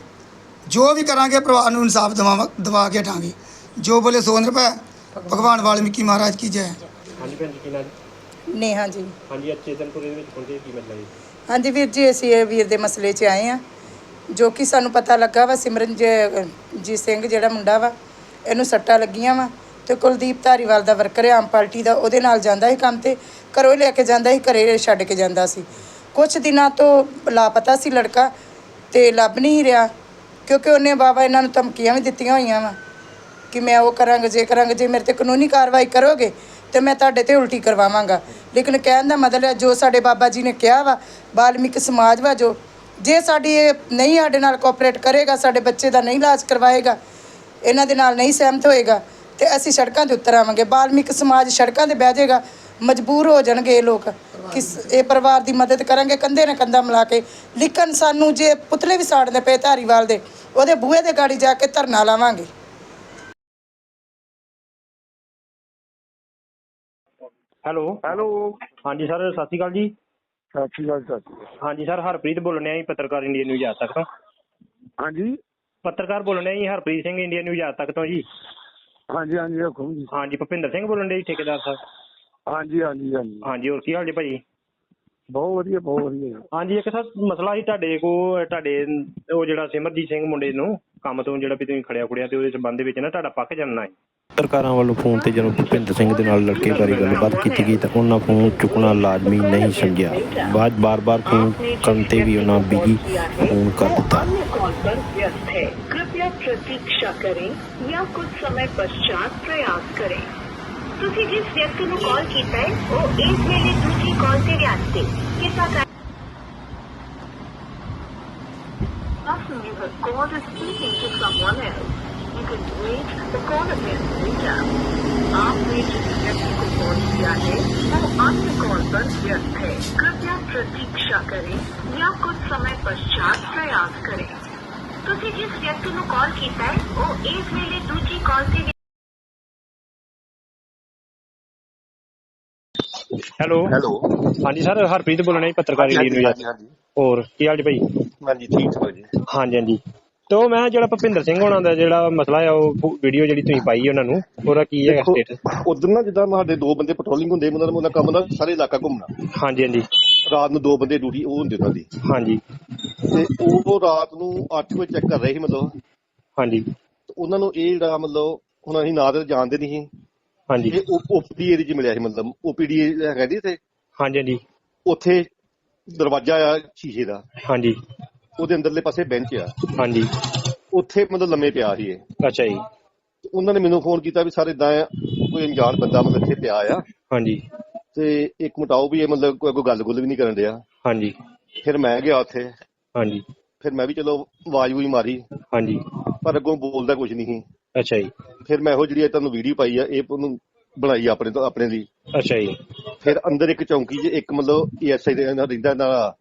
ਜੋ ਵੀ ਕਰਾਂਗੇ ਪਰਿਵਾਰ ਨੂੰ ਇਨਸਾਫ ਦਵਾ ਕੇ ਹਟਾਂਗੇ। ਜੋ ਬੋਲੇ ਸੋ ਨਿਰਭੈ। ਭਗਵਾਨ ਵਾਲਮੀਕੀ ਮਹਾਰਾਜ ਕੀ ਜੈ।
ਹਾਂਜੀ ਭੈਣ ਜੀ ਕੀ ਨਾਂ ਜੀ?
ਨੇਹਾ ਜੀ।
ਹਾਂਜੀ, ਅੱਜ ਚੇਤਨਪੁਰੇ ਦੇ ਵਿੱਚ ਪਹੁੰਚੇ, ਕੀ ਮਸਲਾ ਜੀ?
ਹਾਂਜੀ ਵੀਰ ਜੀ, ਅਸੀਂ ਇਹ ਵੀਰ ਦੇ ਮਸਲੇ 'ਚ ਆਏ ਆ। ਜੋ ਕਿ ਸਾਨੂੰ ਪਤਾ ਲੱਗਾ ਵਾ ਸਿਮਰਨਜੀਤ ਸਿੰਘ ਜਿਹੜਾ ਮੁੰਡਾ ਵਾ, ਇਹਨੂੰ ਸੱਟਾਂ ਲੱਗੀਆਂ ਵਾ ਤੇ ਕੁਲਦੀਪ ਧਾਲੀਵਾਲ ਦਾ ਵਰਕਰ ਆਮ ਪਾਰਟੀ ਦਾ, ਉਹਦੇ ਨਾਲ ਜਾਂਦਾ ਸੀ ਕੰਮ ਤੇ, ਘਰੋਂ ਲੈ ਕੇ ਜਾਂਦਾ ਸੀ, ਘਰੇ ਛੱਡ ਕੇ ਜਾਂਦਾ ਸੀ। ਕੁਛ ਦਿਨਾਂ ਤੋਂ ਲਾਪਤਾ ਸੀ ਲੜਕਾ ਤੇ ਲੱਭ ਨਹੀਂ ਰਿਹਾ, ਕਿਉਂਕਿ ਉਹਨੇ ਬਾਬਾ ਇਹਨਾਂ ਨੂੰ ਧਮਕੀਆਂ ਵੀ ਦਿੱਤੀਆਂ ਹੋਈਆਂ ਵਾ ਕਿ ਮੈਂ ਉਹ ਕਰਾਂਗਾ, ਜੇ ਮੇਰੇ ਤੇ ਕਾਨੂੰਨੀ ਕਾਰਵਾਈ ਕਰੋਗੇ ਤੇ ਮੈਂ ਤੁਹਾਡੇ ਤੇ ਉਲਟੀ ਕਰਵਾਵਾਂਗਾ। ਲੇਕਿਨ ਕਹਿਣ ਦਾ ਮਤਲਬ ਹੈ ਜੋ ਸਾਡੇ ਬਾਬਾ ਜੀ ਨੇ ਕਿਹਾ ਵਾ, ਵਾਲਮੀਕ ਸਮਾਜ ਵਾ, ਜੋ ਜੇ ਸਾਡੀ ਇਹ ਨਹੀਂ ਸਾਡੇ ਨਾਲ ਕੋਆਪਰੇਟ ਕਰੇਗਾ, ਸਾਡੇ ਬੱਚੇ ਦਾ ਨਹੀਂ ਇਲਾਜ ਕਰਵਾਏਗਾ, ਇਹਨਾਂ ਦੇ ਨਾਲ ਨਹੀਂ ਸਹਿਮਤ ਹੋਏਗਾ ਤੇ ਅਸੀਂ ਸੜਕਾਂ 'ਤੇ ਉਤਰ ਆਵਾਂਗੇ। ਵਾਲਮੀਕ ਸਮਾਜ ਸੜਕਾਂ 'ਤੇ ਬਹਿ ਜਾਏਗਾ, ਮਜਬੂਰ ਹੋ ਜਾਣਗੇ ਇਹ ਲੋਕ ਕਿ ਇਹ ਪਰਿਵਾਰ ਦੀ ਮਦਦ ਕਰਾਂਗੇ ਕੰਧੇ ਨਾਲ ਕੰਧਾ ਮਿਲਾ ਕੇ। ਲੇਕਿਨ ਸਾਨੂੰ ਜੇ ਪੁਤਲੇ ਵੀ ਸਾੜਨੇ ਪਏ ਧਾਲੀਵਾਲ ਦੇ, ਉਹਦੇ ਬੂਹੇ ਦੇ ਗਾੜੀ ਜਾ ਕੇ ਧਰਨਾ ਲਾਵਾਂਗੇ।
ਹੈਲੋ ਹਾਂਜੀ ਸਰ, ਸਤਿ ਸ਼੍ਰੀ ਅਕਾਲ ਜੀ।
ਸਤਿ ਸ਼੍ਰੀ ਅਕਾਲ ਸਰ।
ਹਾਂਜੀ ਸਰ, ਹਰਪ੍ਰੀਤ ਬੋਲਣ ਡਿਆ ਜੀ, ਪੱਤਰਕਾਰ ਇੰਡੀਆ ਨਿਊਜ਼ ਅੱਜ ਤੱਕ ਤੋਂ।
ਹਾਂਜੀ
ਪੱਤਰਕਾਰ ਬੋਲਣ ਡਿਆ ਜੀ, ਹਰਪ੍ਰੀਤ ਸਿੰਘ, ਇੰਡੀਆ ਨਿਊਜ਼ ਅੱਜ ਤੱਕ ਤੋਂ ਜੀ।
ਹਾਂਜੀ ਹਾਂਜੀ ਹੁਕਮ ਜੀ।
ਹਾਂਜੀ, ਭੁਪਿੰਦਰ ਸਿੰਘ ਬੋਲਣ ਡੇ ਜੀ, ਠੇਕੇਦਾਰ ਸਾਹਿਬ।
ਹਾਂਜੀ ਹਾਂਜੀ ਹਾਂਜੀ
ਹਾਂਜੀ, ਹੋਰ ਕੀ ਹਾਲ ਜੀ ਭਾਜੀ?
ਬਹੁਤ ਵਧੀਆ ਬਹੁਤ ਵਧੀਆ।
ਹਾਂਜੀ, ਇੱਕ ਸਰ ਮਸਲਾ ਸੀ ਤੁਹਾਡੇ ਉਹ ਜਿਹੜਾ ਸਿਮਰਜੀਤ ਸਿੰਘ ਮੁੰਡੇ ਨੂੰ ਕੰਮ ਤੋਂ ਜਿਹੜਾ ਵੀ ਤੁਸੀਂ ਖੜਿਆ ਖੁੜਿਆ ਤੇ ਉਹਦੇ ਸੰਬੰਧ ਦੇ ਵਿੱਚ ਨਾ ਤੁਹਾਡਾ ਪੱਕ ਜਾਣਾ ਹੈ। ਪੱਤਰਕਾਰਾਂ ਵੱਲੋਂ ਫੋਨ ਤੇ ਜਦੋਂ ਭੁਪਿੰਦਰ ਸਿੰਘ ਦੇ ਨਾਲ ਲੜਕੇ ਬਾਰੇ ਗੱਲਬਾਤ ਕੀਤੀ ਗਈ ਤਾਂ ਉਹਨਾਂ ਫੋਨ ਚੁੱਕਣਾ ਲਾਜ਼ਮੀ ਨਹੀਂ ਸਮਝਿਆ। ਬਾਰ-ਬਾਰ ਫੋਨ ਕਰਨ ਤੇ ਵੀ ਉਹਨਾਂ ਬਿਜੀ ਫੋਨ ਕਰ ਦਿੱਤਾ।
प्रतीक्षा करें या कुछ समय पश्चात प्रयास करें। ਤੁਸੀਂ ਜਿਸ ਵਿਅਕਤੀ ਨੂੰ ਕਾਲ ਕੀਤਾ ਹੈ ਉਹ ਇਸ ਵੇਲੇ ਦੂਜੀ ਕਾਲ ਤੇ ਵਿਅਸਤ ਹੈ। ਕਿਰਪਾ ਕਰ Person you have called is speaking to someone else. You can wait the call again later. आपने जिस व्यक्ति को कॉल किया है वो अन्य कॉल पर व्यस्त है। कृपया प्रतीक्षा करें या कुछ समय पश्चात प्रयास करें। ਤੁਸੀਂ ਜਿਸ ਵਿਅਕਤੀ ਨੂੰ ਕਾਲ ਕੀਤਾ ਹੈ ਉਹ ਇਸ ਵੇਲੇ ਦੂਜੀ ਕਾਲ ਤੇ
ਹੈਲੋ
ਹੈਲੋ
ਹਾਂਜੀ ਸਰ ਹਰਪ੍ਰੀਤ ਬੋਲਣਾ ਜੀ ਪੱਤਰਕਾਰੀ ਲਈ ਨੂੰ
ਹਾਂਜੀ ਹਾਂਜੀ
ਹੋਰ ਕੀ ਹਾਲ ਜੀ ਭਾਈ
ਹਾਂਜੀ ਠੀਕ ਠਾਕ ਜੀ
ਹਾਂਜੀ ਹਾਂਜੀ ਤੇ ਉਹ ਮੈਂ ਜਿਹੜਾ ਭੁਪਿੰਦਰ ਸਿੰਘ ਹੋਣਾ ਦਾ ਜਿਹੜਾ ਮਸਲਾ ਆ ਉਹ ਵੀਡੀਓ ਜਿਹੜੀ ਤੁਸੀਂ ਪਾਈ ਉਹਨਾਂ ਨੂੰ ਉਹਦਾ ਕੀ ਹੈਗਾ ਸਟੇਟਸ
ਉਧਰ ਨਾ ਜਿੱਦਾਂ ਸਾਡੇ ਦੋ ਬੰਦੇ ਪੈਟਰੋਲਿੰਗ ਹੁੰਦੇ ਉਹਨਾਂ ਦਾ ਕੰਮ ਨਾ ਸਾਰੇ ਇਲਾਕਾ ਘੁੰਮਣਾ
ਹਾਂਜੀ ਹਾਂਜੀ
ਰਾਤ ਨੂੰ ਦੋ ਬੰਦੇ ਡਿਊਟੀ ਉਹ ਹੁੰਦੇ ਉਹਨਾਂ ਦੀ
ਹਾਂਜੀ
ਤੇ ਉਹ ਰਾਤ ਨੂੰ 8 ਵਜੇ ਚੈੱਕ ਕਰ ਰਹੇ ਸੀ ਮਤਲਬ
ਹਾਂਜੀ
ਤੇ ਉਹਨਾਂ ਨੂੰ ਇਹ ਜਿਹੜਾ ਮਤਲਬ ਹੁਣ ਅਸੀਂ ਨਾ ਤਾਂ ਜਾਣਦੇ ਨਹੀਂ ਸੀ
ਹਾਂਜੀ
ਇਹ ਓਪੀਡੀ ਏਰੀਆ 'ਚ ਮਿਲਿਆ ਸੀ ਮਤਲਬ ਓਪੀਡੀ ਹੈਗਾ ਜੀ ਇੱਥੇ
ਹਾਂਜੀ ਹਾਂਜੀ
ਉੱਥੇ ਦਰਵਾਜ਼ਾ ਆ ਸ਼ੀਸ਼ੇ ਦਾ
ਹਾਂਜੀ
ਉਹਦੇ ਅੰਦਰਲੇ ਪਾਸੇ ਬੈਂਚ ਆ
ਹਾਂਜੀ
ਉੱਥੇ ਮਤਲਬ ਲੰਮੇ ਪਿਆ ਸੀ ਇਹ
ਅੱਛਾ ਜੀ
ਉਹਨਾਂ ਨੇ ਮੈਨੂੰ ਫੋਨ ਕੀਤਾ ਵੀ ਸਰ ਇਦਾਂ ਕੋਈ ਅਣਜਾਣ ਬੰਦਾ ਮਤਲਬ ਇੱਥੇ ਪਿਆ ਆ
ਹਾਂਜੀ
ਤੇ ਇੱਕ ਮਟਾਓ ਵੀ ਇਹ ਮਤਲਬ ਕੋਈ ਗੱਲ-ਗੁੱਲ ਵੀ ਨਹੀਂ ਕਰਨ ਡਿਆ
ਹਾਂਜੀ
ਫਿਰ ਮੈਂ ਗਿਆ ਉੱਥੇ
ਹਾਂਜੀ
ਫਿਰ ਮੈਂ ਵੀ ਚਲੋ ਆਵਾਜ਼ ਵੀ ਮਾਰੀ
ਹਾਂਜੀ
ਪਰ ਅੱਗੋਂ ਬੋਲਦਾ ਕੁਝ ਨਹੀਂ ਸੀ
ਅੱਛਾ ਜੀ
ਫਿਰ ਮੈਂ ਇਹੋ ਜਿਹੜੀ ਤੁਹਾਨੂੰ ਵੀਡੀਓ ਪਾਈ ਆ ਇਹ ਉਹਨੂੰ ਬਣਾਈ ਆਪਣੇ ਤੋਂ ਆਪਣੇ ਲਈ
ਅੱਛਾ ਜੀ
ਫਿਰ ਅੰਦਰ ਇੱਕ ਚੌਂਕੀ 'ਚ ਇੱਕ ਮਤਲਬ ਏਐਸਆਈ ਦੇ ਨਾਲ ਰਹਿੰਦਾ ਨਾਲ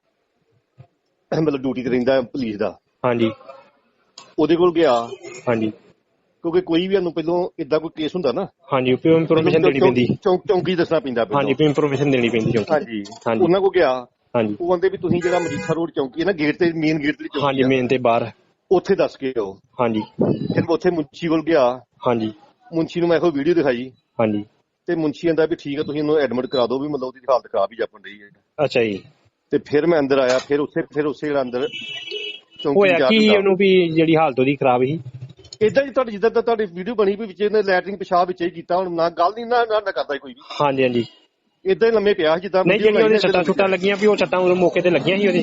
ਮਤਲਬ ਡਿਊਟੀ ਤੇ ਰਹਿੰਦਾ ਪੁਲਿਸ ਦਾ
ਹਾਂਜੀ
ਉਹਦੇ ਕੋਲ ਗਿਆ
ਹਾਂਜੀ
ਕਿਉਂਕਿ ਕੋਈ ਵੀ ਸਾਨੂੰ ਪਹਿਲਾਂ ਇਦਾਂ ਕੋਈ ਕੇਸ ਹੁੰਦਾ ਨਾ
ਹਾਂਜੀ ਇਨਫੋਰਮੇਸ਼ਨ ਦੇਣੀ ਪੈਂਦੀ
ਚੌਂਕੀ ਦੱਸਣਾ ਪੈਂਦਾ
ਹਾਂਜੀ ਇਨਫੋਰਮੇਸ਼ਨ ਦੇਣੀ ਪੈਂਦੀ ਚੌਂਕੀ
ਹਾਂਜੀ
ਹਾਂਜੀ
ਉਹਨਾਂ ਕੋਲ ਗਿਆ
ਹਾਂਜੀ
ਉਹ ਕਹਿੰਦੇ ਵੀ ਤੁਸੀਂ ਜਿਹੜਾ ਮਜੀਠਾ ਰੋਡ ਚੌਂਕੀ ਹੈ ਨਾ ਗੇਟ ਤੇ ਮੇਨ ਗੇਟ ਤੇ ਚੌਂਕੀ
ਹਾਂਜੀ
ਆ,
ਮੇਨ ਤੇ ਬਾਹਰ
ਉੱਥੇ ਦੱਸ ਕੇ ਆਓ
ਹਾਂਜੀ
ਫਿਰ ਮੈਂ ਉੱਥੇ ਮੁੰਸ਼ੀ ਕੋਲ ਗਿਆ
ਹਾਂਜੀ
ਮੁੰਸ਼ੀ ਨੂੰ ਮੈਂ ਇਹੋ ਵੀਡੀਓ ਦਿਖਾਈ
ਹਾਂਜੀ
ਤੇ ਮੁੰਸ਼ੀ ਕਹਿੰਦਾ ਵੀ ਠੀਕ ਹੈ ਤੁਸੀਂ ਇਹਨੂੰ ਐਡਮਿਟ ਕਰਾ ਦਿਓ ਵੀ ਮਤਲਬ ਉਹਦੀ ਹਾਲਤ ਖਰਾਬ ਹੀ ਜਾਪਣ ਰਹੀ ਹੈ
ਅੱਛਾ ਜੀ
ਤੇ ਫਿਰ ਮੈਂ ਅੰਦਰ ਆਇਆ ਫਿਰ ਉਸੇ ਜਿਹੜਾ ਅੰਦਰ ਚੌਂਕੀ
ਹੋਇਆ
ਜਾ
ਕੀ ਉਹਨੂੰ ਵੀ ਜਿਹੜੀ ਹਾਲਤ ਉਹਦੀ ਖਰਾਬ ਸੀ
ਇਦਾਂ ਜੀ ਤੁਹਾਡੀ ਜਿੱਦਾਂ ਤੁਹਾਡੀ ਵੀਡੀਓ ਬਣੀ ਵੀ ਵਿੱਚ ਇਹਨੇ ਲੈਟਰਿੰਗ ਪਿਸ਼ਾਬ ਵਿੱਚ ਹੀ ਕੀਤਾ ਹੁਣ ਨਾ ਗੱਲ ਨਹੀਂ ਨਾ ਕਰਦਾ ਕੋਈ ਵੀ
ਹਾਂਜੀ ਹਾਂਜੀ
ਇਦਾਂ ਹੀ ਲੰਮੇ ਪਿਆ ਜਿੱਦਾਂ
ਨਹੀਂ ਜਿਹੜੀਆਂ ਉਹਦੇ ਸੱਟਾਂ ਲੱਗੀਆਂ ਵੀ ਉਹ ਸੱਟਾਂ ਉਦੋਂ ਮੌਕੇ ਤੇ ਲੱਗੀਆਂ ਸੀ ਉਹਦੇ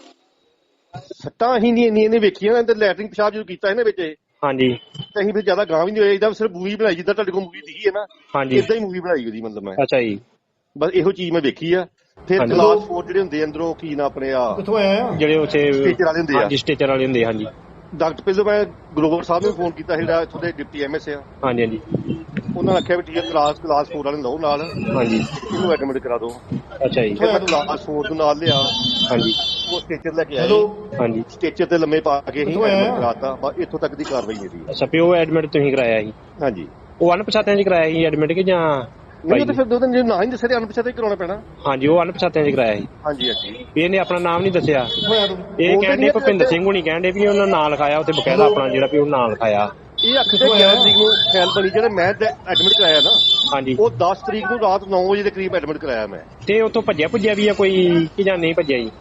ਸੱਟਾਂ ਅਸੀਂ ਨਹੀਂ ਇਹਨੇ ਵੇਖੀਆਂ ਤੇ ਲੈਟਰਿੰਗ ਪਿਸ਼ਾਬ ਜਦੋਂ ਕੀਤਾ ਇਹਨੇ ਵਿੱਚ
ਹਾਂਜੀ
ਤੇ ਅਸੀਂ ਫਿਰ ਜ਼ਿਆਦਾ ਗਾਂ ਵੀ ਨਹੀਂ ਹੋਇਆ ਇਹਦਾ ਸਿਰਫ ਮੂਵੀ ਬਣਾਈ ਜਿੱਦਾਂ ਤੁਹਾਡੇ ਕੋਲ ਮੂਵੀ ਦਿਖੀ ਹੈ ਨਾ
ਹਾਂਜੀ
ਇਦਾਂ ਹੀ ਮੂਵੀ ਬਣਾਈ ਉਹਦੀ ਮਤਲਬ ਮੈਂ
ਅੱਛਾ ਜੀ
ਬਸ ਇਹੋ ਚੀਜ਼ ਮੈਂ ਵੇਖੀ ਆ ਫਿਰ
ਹਾਂਜੀ।
ਗਲਾਸ ਫੋਰ ਜਿਹੜੇ ਹੁੰਦੇ ਅੰਦਰੋਂ ਕੀ ਨਾ ਆਪਣੇ ਆ
ਜਿਹੜੇ ਉੱਥੇ
ਸਟੀਚਰ ਵਾਲੇ ਹੁੰਦੇ ਆ
ਹਾਂਜੀ ਸਟੇਚਰ ਵਾਲੇ ਹੁੰਦੇ ਹਾਂਜੀ
ਡਾਕਟਰ ਪਹਿਲਾਂ ਮੈਂ ਗਲੋਬਲ ਸਾਹਿਬ ਨੂੰ ਫੋਨ ਕੀਤਾ ਸੀ ਜਿਹੜਾ ਇੱਥੋਂ ਦੇ ਡਿਪਟੀ ਐਮਐਸ ਆ
ਹਾਂਜੀ ਹਾਂਜੀ
ਉਹਨਾਂ ਨੇ ਆਖਿਆ ਵੀ ਠੀਕ ਹੈ ਕਲਾਸ 4 ਵਾਲੇ ਲਓ ਨਾਲ
ਹਾਂਜੀ
ਇਹਨੂੰ ਐਡਮਿਟ ਕਰਾ ਦਿਓ
ਅੱਛਾ ਜੀ
ਫਿਰ ਮੈਂ ਕਲਾਸ 4 ਨੂੰ ਨਾਲ ਲਿਆ
ਹਾਂਜੀ
ਉਹ ਸਟੇਚਰ ਲੈ ਕੇ ਆਏ
ਹਾਂਜੀ
ਸਟੇਚਰ ਤੇ ਲੰਮੇ ਪਾ ਕੇ ਹੀ ਐਡਮਿਟ ਕਰਾਤਾ ਬਸ ਇੱਥੋਂ ਤੱਕ ਦੀ ਕਾਰਵਾਈ ਮੇਰੀ
ਅੱਛਾ ਪਿਓ ਐਡਮਿਟ ਤੁਸੀਂ ਕਰਾਇਆ ਸੀ
ਹਾਂਜੀ
ਉਹ ਅਣਪਛਾਤਿਆਂ 'ਚ ਕਰਾਇਆ ਸੀ ਐਡਮਿਟ ਕਿ ਜਾਂ
ਨਹੀਂ ਉਹ ਤਾਂ ਫਿਰ ਦੋ ਦਿਨ ਜੇ ਨਾ ਹੀ ਦੱਸੇ ਤੇ ਅਣਪਛਾਤੇ ਕਰਾਉਣਾ ਪੈਣਾ
ਹਾਂਜੀ ਉਹ ਅਣਪਛਾਤਿਆਂ 'ਚ ਕਰਾਇਆ ਸੀ
ਹਾਂਜੀ ਹਾਂਜੀ
ਵੀ ਇਹਨੇ ਆਪਣਾ ਨਾਮ ਨਹੀਂ ਦੱਸਿਆ ਇਹ
ਉਹ ਤਾਂ
ਕਹਿੰਦੇ ਭੁਪਿੰਦਰ ਸਿੰਘ ਹੁਣੀ ਕਹਿੰਦੇ ਵੀ ਉਹਨਾਂ ਨਾਂ ਲਿਖਾਇਆ ਉੱਥੇ ਬਕਾਇਦਾ ਆਪਣਾ ਜਿਹੜਾ ਵੀ ਉਹ ਨਾਂ ਲਿਖਾਇਆ
ਇਹ ਅੱਖ ਤੇ 11 ਤਰੀਕ ਨੂੰ ਫੈਲ ਬਣੀ ਜਿਹੜੇ ਮੈਂ ਐਡਮਿਟ ਕਰਾਇਆ ਨਾ
ਹਾਂਜੀ
ਉਹ 10 ਤਰੀਕ ਨੂੰ ਰਾਤ 9 ਵਜੇ ਦੇ ਕਰੀਬ ਐਡਮਿਟ ਕਰਾਇਆ ਮੈਂ
ਤੇ ਉੱਥੋਂ ਭੱਜਿਆ ਵੀ ਆ ਕੋਈ ਕਿ ਜਾਂ ਨਹੀਂ ਭੱਜਿਆ ਜੀ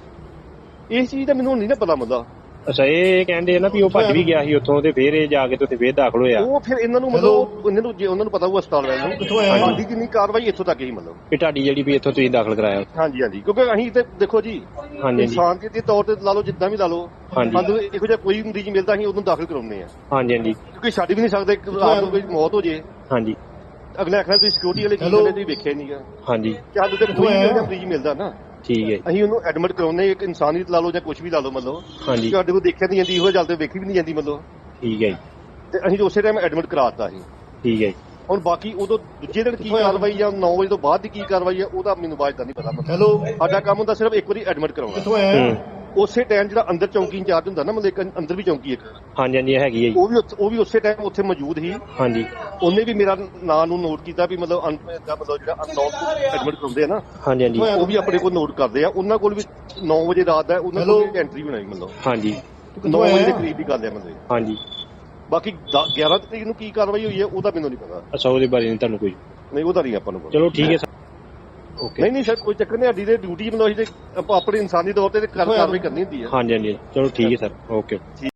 ਇਸ ਚੀਜ਼ ਦਾ ਮੈਨੂੰ ਨਹੀਂ ਨਾ ਪਤਾ ਮੁੱਦਾ
ਅੱਛਾ ਇਹ ਕਹਿੰਦੇ ਨਾ ਵੀ ਉਹ ਭੱਜ ਵੀ ਗਿਆ ਸੀ ਉੱਥੋਂ ਤੇ ਫੇਰ ਇਹ ਜਾ ਕੇ ਤੇ ਉੱਥੇ ਫੇਰ ਦਾਖਲ ਹੋਇਆ
ਉਹ ਫਿਰ ਇਹਨਾਂ ਨੂੰ ਮਤਲਬ ਇਹਨਾਂ ਨੂੰ ਜੇ ਉਹਨਾਂ ਨੂੰ ਪਤਾ ਉਹ ਹਸਪਤਾਲ ਵਾਲਿਆਂ ਨੂੰ ਸਾਡੀ ਜਿੰਨੀ ਕਾਰਵਾਈ ਇੱਥੋਂ ਤੱਕ ਹੀ ਮਤਲਬ
ਵੀ ਤੁਹਾਡੀ ਜਿਹੜੀ ਵੀ ਇੱਥੋਂ ਤੁਸੀਂ ਦਾਖਲ ਕਰਾਇਆ
ਹਾਂਜੀ ਹਾਂਜੀ ਕਿਉਂਕਿ ਅਸੀਂ ਤੇ ਦੇਖੋ ਜੀ
ਹਾਂਜੀ
ਇਨਸਾਨ ਦੇ ਤੌਰ ਤੇ ਲਾ ਲਓ ਜਿੱਦਾਂ ਵੀ ਲਾ ਲਓ
ਹਾਂਜੀ
ਸਾਨੂੰ ਇਹੋ ਜਿਹਾ ਕੋਈ ਮਰੀਜ਼ ਮਿਲਦਾ ਅਸੀਂ ਉਹਨੂੰ ਦਾਖਲ ਕਰਾਉਂਦੇ ਆ
ਹਾਂਜੀ ਹਾਂਜੀ
ਕਿਉਂਕਿ ਛੱਡ ਵੀ ਨਹੀਂ ਸਕਦੇ ਰਾਤ ਨੂੰ ਕੋਈ ਮੌਤ ਹੋ ਜੇ
ਹਾਂਜੀ
ਅਗਲੇ ਆਖਣਾ ਤੁਸੀਂ ਸਿਕਿਉਰਿਟੀ ਵਾਲੇ ਕੀ ਕਹਿੰਦੇ ਤੁਸੀਂ ਵੇਖਿਆ ਨਹੀਂਗਾ
ਹਾਂਜੀ
ਕਿ ਸਾਨੂੰ ਤੇ ਕੋਈ ਵੀ ਮਰੀਜ਼ ਮਿਲਦਾ ਨਾ
ਠੀਕ ਹੈ
ਅਸੀਂ ਉਹਨੂੰ ਐਡਮਿਟ ਕਰਾਉਂਦੇ ਇੱਕ ਇਨਸਾਨੀਅਤ ਲਾ ਲਓ ਜਾਂ ਕੁਝ ਵੀ ਲਾ ਲਓ ਮਤਲਬ
ਹਾਂਜੀ
ਸਾਡੇ ਕੋਲ ਦੇਖਿਆ ਨਹੀਂ ਜਾਂਦੀ ਇਹੋ ਜਲ ਤੇ ਵੇਖੀ ਵੀ ਨਹੀਂ ਜਾਂਦੀ ਮਤਲਬ
ਠੀਕ ਹੈ ਜੀ
ਤੇ ਅਸੀਂ ਉਸੇ ਟਾਈਮ ਐਡਮਿਟ ਕਰਾਤਾ ਸੀ
ਠੀਕ ਹੈ ਜੀ
ਹੁਣ ਬਾਕੀ ਉਦੋਂ ਦੂਜੇ ਦਿਨ ਕੀ ਕਾਰਵਾਈ ਜਾਂ 9 ਵਜੇ ਤੋਂ ਬਾਅਦ ਦੀ ਕੀ ਕਾਰਵਾਈ ਹੈ ਉਹਦਾ ਮੈਨੂੰ ਬਾਅਦ ਦਾ ਨਹੀਂ ਪਤਾ ਮਤਲਬ ਸਾਡਾ ਕੰਮ ਹੁੰਦਾ ਸਿਰਫ ਇੱਕ ਵਾਰੀ ਐਡਮਿਟ ਕਰਾਉਣਾ ਉਸੇ ਟਾਈਮ ਜਿਹੜਾ ਅੰਦਰ ਚੌਂਕੀ ਇੰਚਾਰਜ ਹੁੰਦਾ ਨਾ ਮਤਲਬ ਇੱਕ ਅੰਦਰ ਵੀ ਚੌਂਕੀ ਇੱਕ
ਹਾਂਜੀ ਹਾਂਜੀ ਹੈਗੀ ਹੈ ਜੀ
ਉਹ ਵੀ ਉਸੇ ਟਾਈਮ ਉੱਥੇ ਮੌਜੂਦ ਸੀ
ਹਾਂਜੀ
ਉਹਨੇ ਵੀ ਮੇਰਾ ਨਾਂ ਨੂੰ ਨੋਟ ਕੀਤਾ ਵੀ ਮਤਲਬ ਮਤਲਬ ਜਿਹੜਾ ਅਨਨੋਨ ਐਡਮਿਟ ਕਰਾਉਂਦੇ ਆ ਨਾ
ਹਾਂਜੀ ਹਾਂਜੀ
ਉਹ ਵੀ ਆਪਣੇ ਕੋਲ ਨੋਟ ਕਰਦੇ ਆ ਉਹਨਾਂ ਕੋਲ ਵੀ 9 ਵਜੇ ਰਾਤ ਦਾ ਉਹਨਾਂ ਕੋਲ ਵੀ ਐਂਟਰੀ ਬਣਾਈ ਮਤਲਬ
ਹਾਂਜੀ
9 ਵਜੇ ਦੇ ਕਰੀਬ ਦੀ ਗੱਲ ਹੈ ਮਤਲਬ
ਹਾਂਜੀ
ਬਾਕੀ 11 ਤਰੀਕ ਨੂੰ ਕੀ ਕਾਰਵਾਈ ਹੋਈ ਹੈ ਉਹਦਾ ਮੈਨੂੰ ਨਹੀਂ ਪਤਾ
ਅੱਛਾ ਉਹਦੇ ਬਾਰੇ ਨਹੀਂ ਤੁਹਾਨੂੰ ਕੋਈ
ਨਹੀਂ ਉਹਦਾ ਨਹੀਂ ਆਪਾਂ ਨੂੰ ਪਤਾ
ਚਲੋ ਠੀਕ ਹੈ ਸਰ ਓਕੇ
ਨਹੀਂ ਸਰ ਕੋਈ ਚੱਕਰ ਨਹੀਂ ਸਾਡੀ ਤੇ ਡਿਊਟੀ ਮਤਲਬ ਅਸੀਂ ਤੇ ਆਪਾਂ ਆਪਣੀ ਇਨਸਾਨੀ ਤੌਰ ਤੇ ਕਾਰਵਾਈ ਕਰਨੀ ਹੁੰਦੀ ਹੈ
ਹਾਂਜੀ ਹਾਂਜੀ ਚਲੋ ਠੀਕ ਹੈ ਸਰ ਓਕੇ